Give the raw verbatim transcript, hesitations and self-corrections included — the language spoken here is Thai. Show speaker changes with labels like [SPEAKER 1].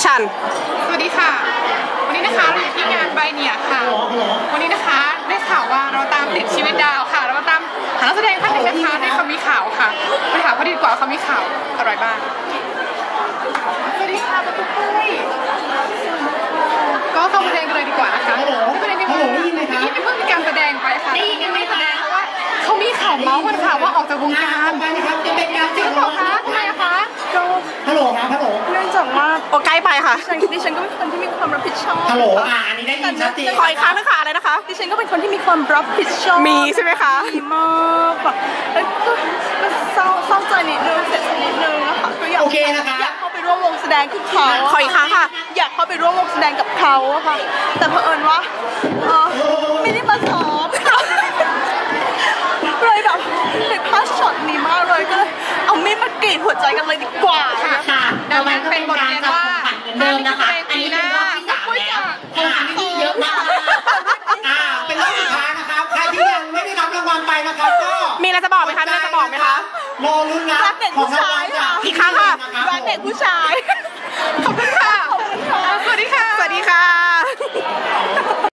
[SPEAKER 1] ชัน
[SPEAKER 2] สวัสดีค่ะวันนี้นะคะเราอยู่ที่งานใบเนี่ยค่ะวันนี้นะคะได้ข่าวว่าเราตามติดชีวิตดาวค่ะเรามาตามหานักแสดงท่านหนึ่งนะคะที่เขามีข่าวค่ะไปถามเขาดีกว่าเขามีข่าวอะไรบ้างสวัสดีค่ะประตูปุ้ยก็เข้าประเด็นกันเลยดีกว่านะคะประเด็นที่ว่าที่เป็นเพิ่งมีการแสดงไปค่ะยังไม่แสดงเพราะว่าเขามีข่าวเมาส์กันค่ะว่าออกจากวงการจริงหรือเปล่าคะทำไมคะก็
[SPEAKER 3] ฮัลโหลครับฮัลโหล
[SPEAKER 1] เนื่องจากว่าโอใกล้ไปค่ะ
[SPEAKER 4] ดิฉันก็เป็นคนที่มีความรับผิดชอบ
[SPEAKER 3] ฮัลโหลอ่าอันนี้ได้ยินชัดเจน
[SPEAKER 1] คอยค้างนะคะอะไรนะคะ
[SPEAKER 4] ดิฉันก็เป็นคนที่มีความรับผิดชอบ
[SPEAKER 1] มีใช่ไหมคะ
[SPEAKER 4] มีมากแบบแล้วก็เศร้าเศร้าใจนิดนึงเสียใจนิดนึงนะคะก็อยากอยากเข้าไปร่วมวงแสดงกับเขา
[SPEAKER 1] คอยค้างค่ะ
[SPEAKER 4] อยากเข้าไปร่วมวงแสดงกับเขาค่ะแต่เผอิญว่าไม่ได้มาซ้อมเลยแบบเลยพลาดช็อตนี้มากเลยก็เลยเอามีดมากรีดหัวใจกันเลยดีกว่า
[SPEAKER 3] ค่ะดังนั้นเป็นบทเรียนว่าเดิมนะคะอันนี้เป็นรอบที่สามแล้วคงทำที่เยอะมากอ่าเป็นรอบสุดท้ายนะครับใครที่ยังไม่ได้รับรางวัลไปนะครับก็
[SPEAKER 1] มีอะไรจะบอกไหมคะมีอะไรจะบอกไหมคะ
[SPEAKER 3] รอลุ้นนะ
[SPEAKER 4] รักเด็กผู้ชายค่ะ
[SPEAKER 1] อีกครั้งค่ะ
[SPEAKER 4] รักเด็กผู้ชาย